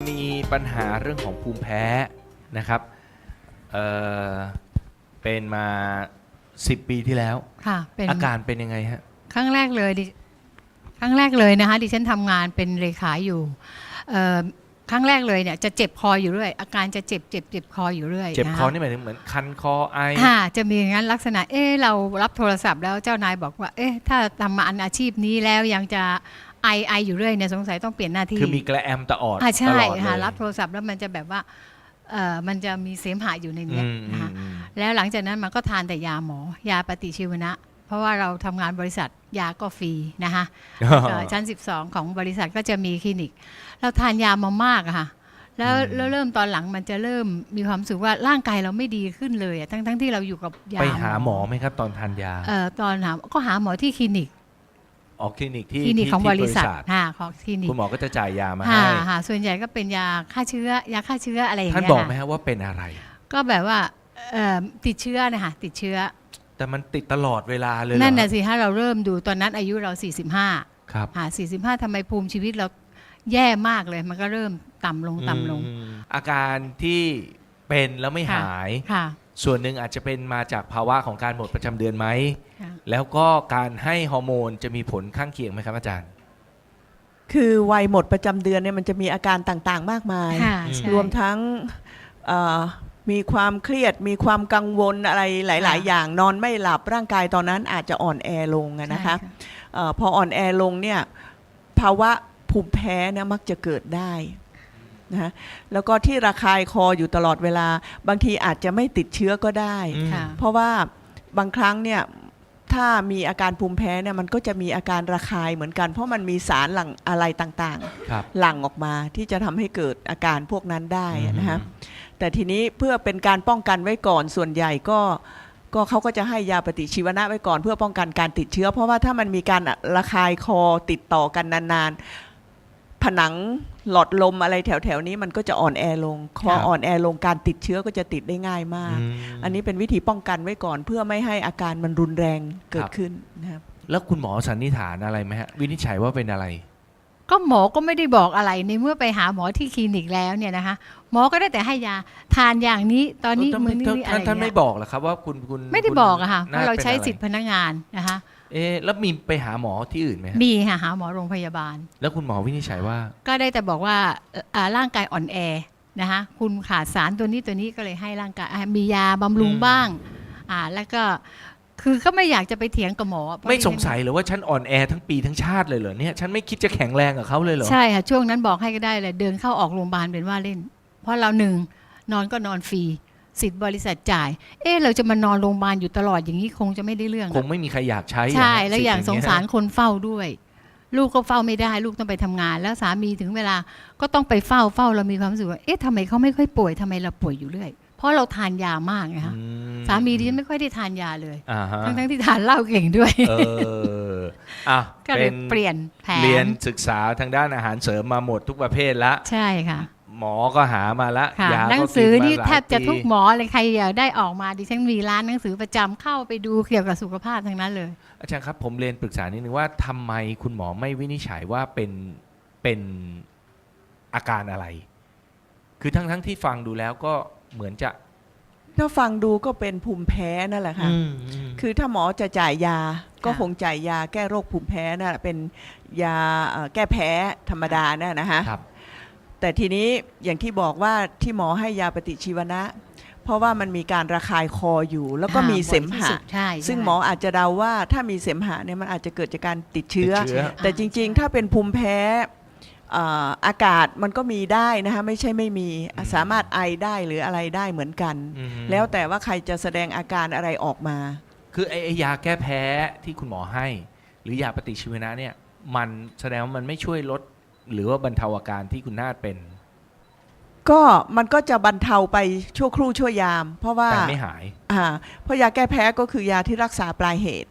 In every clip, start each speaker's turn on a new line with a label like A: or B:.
A: มีปัญหาเรื่องของภูมิแพ้นะครับเอ่อเป็นมา10 ปีที่แล้ว
B: ค่ะเป็น
A: อาการเป็นยังไงฮะ
B: ครั้งแรกเลยครั้งแรกเลยนะคะดิฉันทำงานเป็นเลขาอยู่ครั้งแรกเลยเนี่ยจะเจ็บคออยู่เรื่อยอาการจะเจ็บคออยู่เรื่อย
A: เจ็บคอนี่หมายถึงเหมือนคันคอไอ
B: จะมีอย่างนั้นลักษณะเรารับโทรศัพท์แล้วเจ้านายบอกว่าถ้าทำมาอาชีพนี้แล้วยังจะไออยู่เรื่อยเนี่ยสงสัยต้องเปลี่ยนหน้าที่
A: คือมีกระแอมตะออด
B: ใช่
A: ตลอดเลย
B: ค่ะรับโทรศัพท์แล้วมันจะแบบว่ามันจะมีเสมหะอยู่ในนี้นะคะแล้วหลังจากนั้นมันก็ทานแต่ยาหมอยาปฏิชีวนะเพราะว่าเราทำงานบริษัทยาก็ฟรีนะคะชั้น12ของบริษัทก็จะมีคลินิกเราทานยามามากอะค่ะแล้วเริ่มตอนหลังมันจะเริ่มมีความรู้สึกว่าร่างกายเราไม่ดีขึ้นเลยทั้งที่เราอยู่กับยา
A: ไปหาหมอไหมครับตอนทานยา
B: ตอนหาหมอที่คลินิก
A: คลินิก
B: ของบริษัทของคลินิก
A: คุณหมอก็จะจ่ายยามาให้
B: ส่วนใหญ่ก็เป็นยาฆ่าเชื้อยาฆ่าเชื้ออะไรอย่างเงี้ย
A: ท่านบอกไหมครับว่าเป็นอะไร
B: ก็แบบว่าติดเชื้อนะคะติดเชื้อ
A: แต่มันติดตลอดเวลาเลย
B: นั่นน่ะสิถ้าเราเริ่มดูตอนนั้นอายุเรา45
A: ครับ
B: 45ทำไมภูมิชีวิตเราแย่มากเลยมันก็เริ่มต่ำลง
A: อาการที่เป็นแล้วไม่หายส่วนหนึ่งอาจจะเป็นมาจากภาวะของการหมดประจำเดือนไหมแล้วก็การให้ฮอร์โมนจะมีผลข้างเคียงไหมครับอาจารย์
C: คือวัยหมดประจำเดือนเนี่ยมันจะมีอาการต่างๆมากมายรวมทั้งมีความเครียดมีความกังวลอะไรหลายๆอย่างนอนไม่หลับร่างกายตอนนั้นอาจจะอ่อนแอลงนะคะพออ่อนแอลงเนี่ยภาวะภูมิแพ้เนี่ยมักจะเกิดได้นะแล้วก็ที่ระคายคออยู่ตลอดเวลาบางทีอาจจะไม่ติดเชื้อก็ได้เพราะว่าบางครั้งเนี่ยถ้ามีอาการภูมิแพ้เนี่ยมันก็จะมีอาการระคายเหมือนกันเพราะมันมีสารหลั่งอะไรต่างๆหลั่งออกมาที่จะทำให้เกิดอาการพวกนั้นได้นะคะแต่ทีนี้เพื่อเป็นการป้องกันไว้ก่อนส่วนใหญ่ก็เขาก็จะให้ยาปฏิชีวนะไว้ก่อนเพื่อป้องกันการติดเชื้อเพราะว่าถ้ามันมีการระคายคอติดต่อกันนานๆผนังหลอดลมอะไรแถวๆนี้มันก็จะอ่อนแอลงพออ่อนแอลงการติดเชื้อก็จะติดได้ง่ายมากอันนี้เป็นวิธีป้องกันไว้ก่อนเพื่อไม่ให้อาการมันรุนแรงเกิดขึ้นนะครับ
A: แล้วคุณหมอสันนิษฐานอะไรไหมฮะวินิจฉัยว่าเป็นอะไร
B: ก็หมอก็ไม่ได้บอกอะไรในเมื่อไปหาหมอที่คลินิกแล้วเนี่ยนะคะหมอก็ได้แต่ให้ยาทานอย่างนี้ตอนนี้มื้อนี้อะไร
A: ท่านไม่บอกหรอครับว่าคุณ
B: ไม่ได้บอกอะค่ะเพราะเราใช้สิทธิพนักงานนะคะ
A: แล้วมีไปหาหมอที่อื่นไหม
B: มีค่ะหาหมอโรงพยาบาล
A: แล้วคุณหมอวินิจฉัยว่า
B: ก็ได้แต่บอกว่าร่างกายอ่อนแอนะคะคุณขาดสารตัวนี้ก็เลยให้ร่างกายมียาบำรุงบ้างแล้วก็คือก็ไม่อยากจะไปเถียงกับหมอ
A: ไม่สงสัยหรือว่าฉันอ่อนแอทั้งปีทั้งชาติเลยเหรอเนี่ยฉันไม่คิดจะแข็งแรงกับเขาเลยเหรอ
B: ใช่ค่ะช่วงนั้นบอกให้ก็ได้เลยเดินเข้าออกโรงพยาบาลเป็นว่าเล่นเพราะเรานอนก็นอนฟรีสิทธิ์บริษัทจ่ายเราจะมานอนโรงพยาบาลอยู่ตลอดอย่างนี้คงจะไม่ได้เรื่อง
A: คงไม่มีใครอยากใช้
B: ใช่แล้วอย่างสงสารคนเฝ้าด้วยลูกก็เฝ้าไม่ได้ลูกต้องไปทำงานแล้วสามีถึงเวลาก็ต้องไปเฝ้าเรามีความรู้สึกว่าทำไมเขาไม่ค่อยป่วยทำไมเราป่วยอยู่เรื่อยเพราะเราทานยามากไงคะสามีดิฉันไม่ค่อยได้ทานยาเลยทั้งที่ทานเหล้าเก่งด้วย
A: ก็เลย
B: เปลี่ยนแผน
A: เรียนศึกษาทางด้านอาหารเสริมมาหมดทุกประเภทละ
B: ใช่ค่ะ
A: หมอก็หามาละ
B: ยาหนังสือที่แทบจะทุกหมอเลยใครอยากได้ออกมาดิฉันมีร้านหนังสือประจำเข้าไปดูเกี่ยวกับสุขภาพทั้งนั้นเลย
A: อาจารย์ครับผมเรียนปรึกษานิดนึงว่าทำไมคุณหมอไม่วินิจฉัยว่าเป็นอาการอะไรคือทั้งที่ฟังดูแล้วก็เหมือนจะ
C: ถ้าฟังดูก็เป็นภูมิแพ้นั่นแหละค่ะคือถ้าหมอจะจ่ายยาก็คงจ่ายยาแก้โรคภูมิแพ้นั่นแหละเป็นยาแก้แพ้ธรรมดาน่ะนะฮะแต่ทีนี้อย่างที่บอกว่าที่หมอให้ยาปฏิชีวนะเพราะว่ามันมีการระคายคออยู่แล้วก็มีเสมหะซึ่งหมออาจจะเดาว่าถ้ามีเสมหะเนี่ยมันอาจจะเกิดจากการติดเชื้อแต่จริงๆถ้าเป็นภูมิแพ้อากาศมันก็มีได้นะคะไม่ใช่ไม่มีสามารถไอได้หรืออะไรได้เหมือนกันแล้วแต่ว่าใครจะแสดงอาการอะไรออกมา
A: คือไอยาแก้แพ้ที่คุณหมอให้หรือยาปฏิชีวนะเนี่ยมันแสดงว่ามันไม่ช่วยลดหรือว่าบรรเทาอาการที่คุณนาฏเป็น
C: ก็มันก็จะบรรเทาไปชั่วครู่ชั่วยามเพราะว่า
A: แต่ไม่หาย
C: เพราะยาแก้แพ้ก็คือยาที่รักษาปลายเหตุ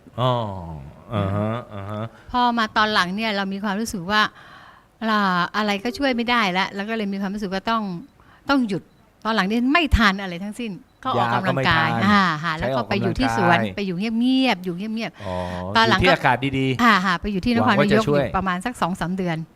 B: พอมาตอนหลังเนี่ยเรามีความรู้สึกว่าอะไรก็ช่วยไม่ได้แล้วก็เลยมีความรู้สึกว่าต้องหยุดตอนหลังนี้ไม่ทานอะไรทั้งสิ้นก็ออกกำลังกายแล้วก็ไปอยู่ที่สวนไปอยู่เงียบๆตอนหลัง
A: ที่อากาศดี
B: ๆไปอยู่ที่นครนายกประมาณสัก 2-3 เดือน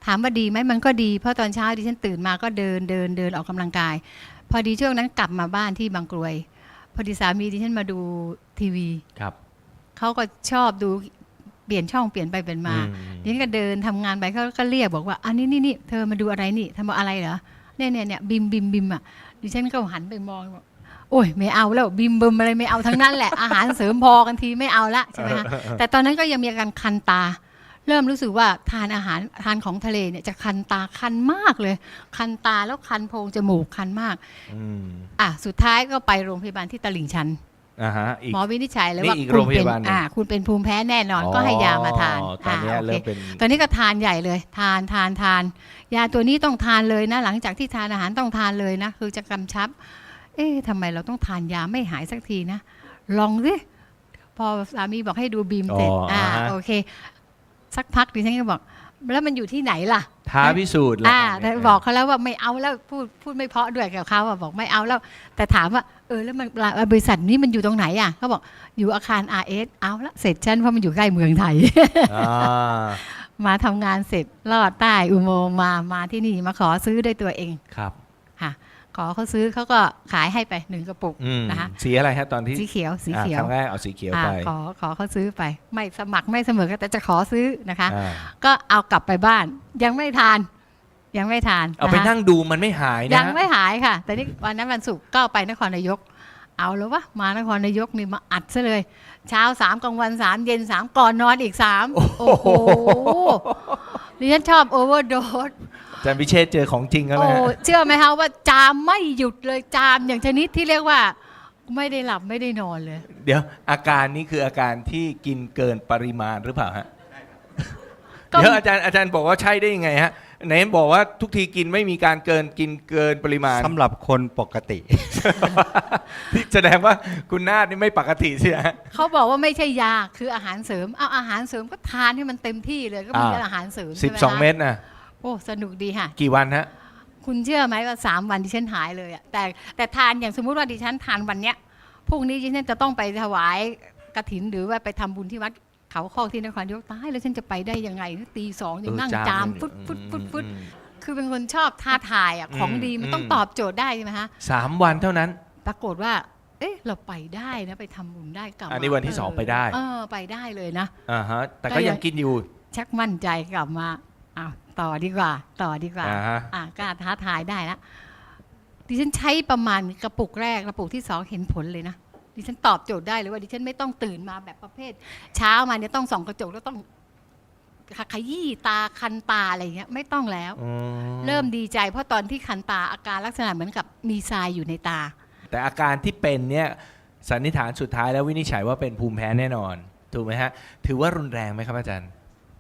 B: ถามว่าดีไหมมันก็ดีเพราะตอนเช้าดิฉันตื่นมาก็เดินออกกำลังกาย พอดีช่วงนั้นกลับมาบ้านที่บางกรวยพอดีสามีดิฉันมาดูทีวี
A: ครับ
B: เขาก็ชอบดูเปลี่ยนช่องเปลี่ยนไปเปลี่ยนมาดิฉันก็เดินทำงานไปเขาก็เรียกบอกว่าอันนี้เธอมาดูอะไรนี่ทำอะไรเหรอเนี่ยบิมอ่ะดิฉันก็หันไปมองบอกโอ้ยไม่เอาแล้วบิมอะไรไม่เอาทั้งนั้นแหละ อาหารเสริมพอกันทีไม่เอาละใช่ไหมคะแต่ตอนนั้นก็ยังมีอาการคันตาเริ่มรู้สึกว่าทานอาหารทานของทะเลเนี่ยจะคันตาคันมากเลยคันตาแล้วคันโพรงจมูกคันมากสุดท้ายก็ไปโรงพยาบาลที่ตลิ่งชันหมอวินิจฉัยเลยว่าคุณเป็นภูมิแพ้แน่นอนก็ให้ยามาทาน
A: ตอนนี้เริ่มเป็น
B: ตอนนี้ก็ทานใหญ่เลยทานยาตัวนี้ต้องทานเลยนะหลังจากที่ทานอาหารต้องทานเลยนะคือจะกำชับทำไมเราต้องทานยาไม่หายสักทีนะลองสิพอสามีบอกให้ดูบีมเสร็จโอเคสักพักดิฉันก็บอกแล้วมันอยู่ที่ไหนล่ะ
A: ท้าพิสูจน์
B: แต่บอกเขาแล้วว่าไม่เอาแล้วพูดไม่เพราะด้วยกับเขาบอกไม่เอาแล้วแต่ถามว่าแล้วมันบริษัทนี้มันอยู่ตรงไหนอ่ะเขาบอกอยู่อาคาร RS เอาละเสร็จฉันเพราะมันอยู่ใกล้เมืองไทย มาทำงานเสร็จลอดใต้อุโมงค์มาที่นี่มาขอซื้อด้วยตัวเอง
A: ครับ
B: ค่ะขอเขาซื้อเขาก็ขายให้ไป1กระปุกนะคะ
A: สีอะไรฮะตอนที่
B: สีเขียว
A: ครั้งแรกเอาสีเขียวไป
B: ขอเขาซื้อไปไม่สมัครไม่เสมอแต่จะขอซื้อนะคะก็เอากลับไปบ้านยังไม่ทาน
A: เอาไปนั่งดูมันไม่หายนะ
B: ยังไม่หายค่ะแต่นี่วันนั้นวันศุกร์ก็ไปนครนายกเอาแล้ววะมานครนายกนี่มาอัดซะเลยเช้า3กลางวัน3เย็น3ก่อนนอนอีก3โอ้โหดิฉันชอบโอเวอร์โดส
A: อาจารย์พิเชษเจอของจริงแล้วนะ
B: เชื่อไหมคะว่าจามไม่หยุดเลยจามอย่างชนิดที่เรียกว่าไม่ได้หลับไม่ได้นอนเลย
A: เดี๋ยวอาการนี้คืออาการที่กินเกินปริมาณหรือเปล่าฮะเดี๋ยวอาจารย์บอกว่าใช่ได้ยังไงฮะไหนบอกว่าทุกทีกินไม่มีการกินเกินปริมาณ
D: สำหรับคนปกติ
A: ที่แสดงว่าคุณนาฏนี่ไม่ปกติใช่ไหม
B: เขาบอกว่าไม่ใช่ยาคืออาหารเสริมเอาอาหารเสริมก็ทานให้มันเต็มที่เลยก็มีอาหารเสริม
A: 12 เม็ดนะ
B: โอ้สนุกดีค่ะ
A: กี่วันฮะ
B: คุณเชื่อไหมว่า3 วันดิฉันหายเลยอะแต่ทานอย่างสมมุติว่าดิฉันทานวันเนี้ยพรุ่งนี้ดิฉันจะต้องไปถวายกฐินหรือว่าไปทำบุญที่วัดเขาคอกที่นครนายกตายแล้วฉันจะไปได้ยังไงตี 2ยังนั่งจามฟุดคือเป็นคนชอบท้าทายอ่ะของดีมันต้องตอบโจทย์ได้ใช่ไหมฮะ
A: 3 วันเท่านั้น
B: ปรากฏว่าเราไปได้นะไปทำบุญได้กลับ
A: อันนี้วันที่2ไปได้
B: ไปได้เลยนะ
A: ฮะแต่ก็ยังกินอยู่
B: ชักมั่นใจกลับมาต่อดีกว่ากล้าท้าทายได้แล้วดิฉันใช้ประมาณกระปุกแรกกระปุกที่2เห็นผลเลยนะดิฉันตอบโจทย์ได้เลยว่าดิฉันไม่ต้องตื่นมาแบบประเภทเช้ามาเนี่ยต้องส่องกระจกแล้วต้องขยี้ตาคันตาอะไรเงี้ยไม่ต้องแล้วเริ่มดีใจเพราะตอนที่คันตาอาการลักษณะเหมือนกับมีทรายอยู่ในตา
A: แต่อาการที่เป็นเนี่ยสันนิษฐานสุดท้ายแล้ววินิจฉัยว่าเป็นภูมิแพ้แน่นอนถูกไหมฮะถือว่ารุนแรงไหมครับอาจารย์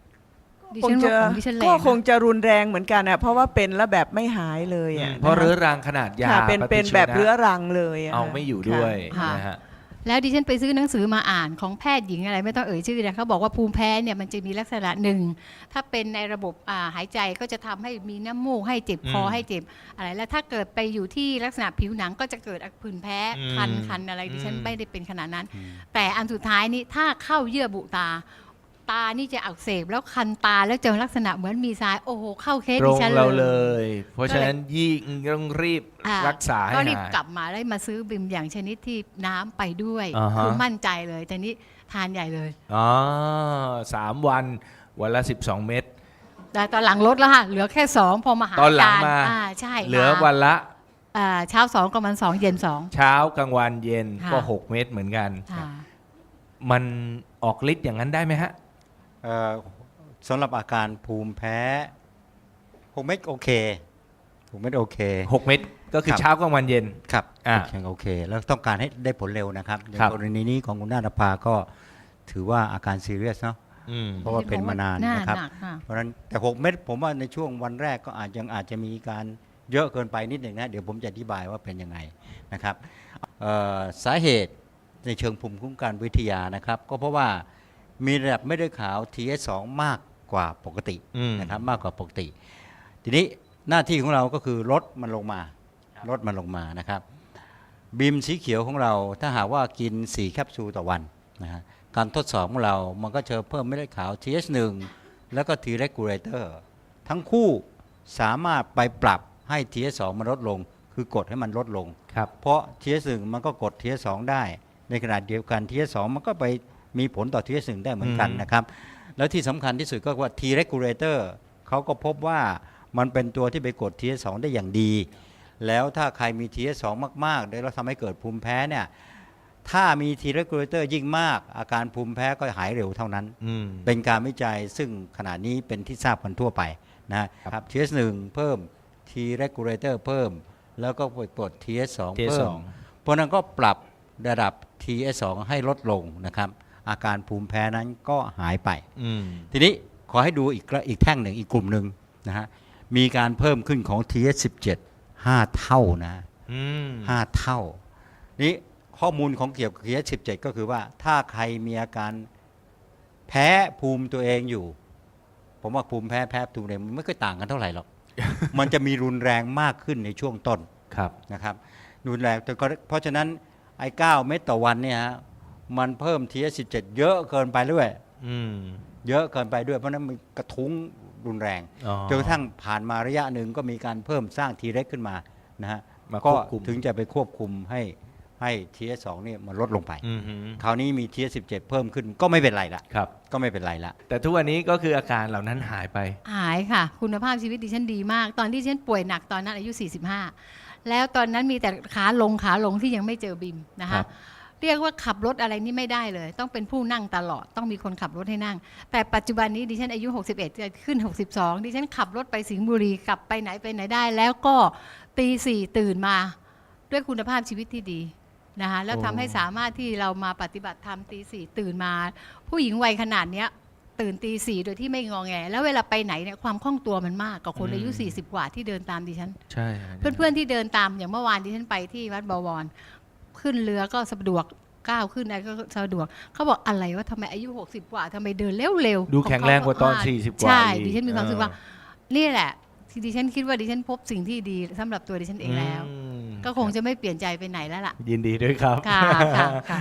C: ก็คงจะรุนแรงเหมือนกันอ่ะเพราะว่าเป็นแล้วแบบไม่หายเลยอ่ะ
A: เพราะเรื้อรังขนาดยา
C: เป็นแบบเรื้อรังเลย
A: เอาไม่อยู่ด้วยนะฮะ
B: แล้วดิฉันไปซื้อหนังสือมาอ่านของแพทย์หญิงอะไรไม่ต้องเอ่ยชื่อนะเขาบอกว่าภูมิแพ้เนี่ยมันจะมีลักษณะหนึ่งถ้าเป็นในระบบหายใจก็จะทำให้มีน้ำมูกให้เจ็บคอให้เจ็บอะไรแล้วถ้าเกิดไปอยู่ที่ลักษณะผิวหนังก็จะเกิดผื่นแพ้คันอะไรดิฉันไม่ได้เป็นขนาดนั้นแต่อันสุดท้ายนี้ถ้าเข้าเยื่อบุตานี่จะอักเสบแล้วคันตาแล้วเจอลักษณะเหมือนมีทรายโอ้โหเข้าเคสดิฉัน
A: เลยเพราะฉะนั้นยิ่งต้องรีบรักษาให้หาย
B: ก็รีบกลับมาได้มาซื้อบิมอย่างชนิดที่น้ำไปด้วยคือมั่นใจเลยแต่นี้ทานใหญ่เลย
A: 3 วันวันละ12 เม็ด
B: แต่ตอนหลังลดแล้วค่ะเหลือแค่2พอมาหา
A: ตอนหลังมา
B: ใช่
A: เหลือวันละ
B: เช้า2กลางวัน2เย็น2
A: เช้ากลางวันเย็นก็6 เม็ดเหมือนกันมันออกฤทธิ์อย่างนั้นได้ไหมฮะ
D: สำหรับอาการภูมิแพ้6 เม็ดโอเค6 เม็ดโอเค
A: 6 เม็ดก็คือเช้ากลางวันเย็น
D: ครับโอเคแล้วต้องการให้ได้ผลเร็วนะครับในกรณีนี้ของคุณนาฏภาก็ถือว่าอาการซีเรียสเนาะเพราะว่าเป็นมานานนะครับเพราะฉะนั้นแต่6 เม็ดผมว่าในช่วงวันแรกก็อาจจะมีการเยอะเกินไปนิดหนึ่งนะเดี๋ยวผมจะอธิบายว่าเป็นยังไงนะครับสาเหตุในเชิงภูมิคุ้มกันวิทยานะครับก็เพราะว่ามีระดับเม็ดเลือดขาว TH2 มากกว่าปกตินะครับมากกว่าปกติทีนี้หน้าที่ของเราก็คือลดมันลงมานะครับบีมสีเขียวของเราถ้าหากว่ากิน4 แคปซูลต่อวันนะฮะการทดสอบของเรามันก็จะเพิ่มเม็ดเลือดขาว TH1 แล้วก็ T regulator ทั้งคู่สามารถไปปรับให้ TH2 มันลดลงคือกดให้มันลดลง
A: ครับ
D: เพราะ TH1 มันก็กด TH2 ได้ในขณะเดียวกัน TH2 มันก็ไปมีผลต่อ TH1 ได้เหมือนกันนะครับแล้วที่สำคัญที่สุดก็ว่า T regulator เขาก็พบว่ามันเป็นตัวที่ไปกด TH2 ได้อย่างดีแล้วถ้าใครมี TH2 มากๆแล้วทำให้เกิดภูมิแพ้เนี่ยถ้ามี T regulator ยิ่งมากอาการภูมิแพ้ก็หายเร็วเท่านั้นเป็นการวิจัยซึ่งขณะนี้เป็นที่ทราบกันทั่วไปนะครับ TH1 เพิ่ม T regulator เพิ่มแล้วก็กด TH2 เพิ่มเพราะนั้นก็ปรับระดับ TH2 ให้ลดลงนะครับอาการภูมิแพ้นั้นก็หายไปทีนี้ขอให้ดูอีกแท่งหนึ่งอีกกลุ่มหนึ่งนะฮะมีการเพิ่มขึ้นของ TH17 5 เท่านะ5 เท่านี้ข้อมูลของเกี่ยวกับ TH17 ก็คือว่าถ้าใครมีอาการแพ้ภูมิตัวเองอยู่ผมว่าภูมิแพ้ตัวเองมันไม่ค่อยต่างกันเท่าไหร่หรอก มันจะมีรุนแรงมากขึ้นในช่วงต้นนะครับรุนแรงแต่เพราะฉะนั้นไอ้9 เม็ดต่อวันเนี่ยฮะมันเพิ่ม TH17 เยอะเกินไปด้วยเยอะเกินไปด้วยเพราะนั้นมันกระทุ้งรุนแรงจนกระทั่งผ่านมาระยะหนึ่งก็มีการเพิ่มสร้าง T reg ขึ้นมานะฮะก็ถึงจะไปควบคุมให้ TH2 เนี่ยมันลดลงไปคราวนี้มี TH17 เพิ่มขึ้นก็ไม่เป็นไรละก็ไม่เป็นไรละ
A: แต่ทุกวันนี้ก็คืออาการเหล่านั้นหายไป
B: หายค่ะคุณภาพชีวิตดิฉันดีมากตอนที่ฉันป่วยหนักตอนนั้นอายุ45แล้วตอนนั้นมีแต่ขาลงที่ยังไม่เจอบิมนะคะเรียกว่าขับรถอะไรนี่ไม่ได้เลยต้องเป็นผู้นั่งตลอดต้องมีคนขับรถให้นั่งแต่ปัจจุบันนี้ดิฉันอายุ61จะขึ้น62ดิฉันขับรถไปสิงห์บุรีกลับไปไหนได้แล้วก็ตี 4ตื่นมาด้วยคุณภาพชีวิตที่ดีนะคะแล้วทำให้สามารถที่เรามาปฏิบัติธรรมตี 4ตื่นมาผู้หญิงวัยขนาดนี้ตื่นตี 4โดยที่ไม่งอแงแล้วเวลาไปไหนเนี่ยความคล่องตัวมันมากกว่าคนอายุ40กว่าที่เดินตามดิฉัน
A: ใช่
B: เพื่อนๆที่เดินตามอย่างเมื่อวานดิฉันไปที่วัดบวรขึ้นเรือก็สะดวกก้าวขึ้นอะไรก็สะดวกเขาบอกอะไรว่าทำไมอายุ60กว่าทำไมเดินเร็ว
A: ๆดูแข็งแรงกว่าตอน40กว่า
B: ใช่ดิฉันมีความรู้สึกว่านี่แหละที่ดิฉันคิดว่าดิฉันพบสิ่งที่ดีสำหรับตัวดิฉันเองแล้วก็คงจะไม่เปลี่ยนใจไปไหนแล้วล่ะ
A: ยินดีด้วยครับ
B: ค่ะ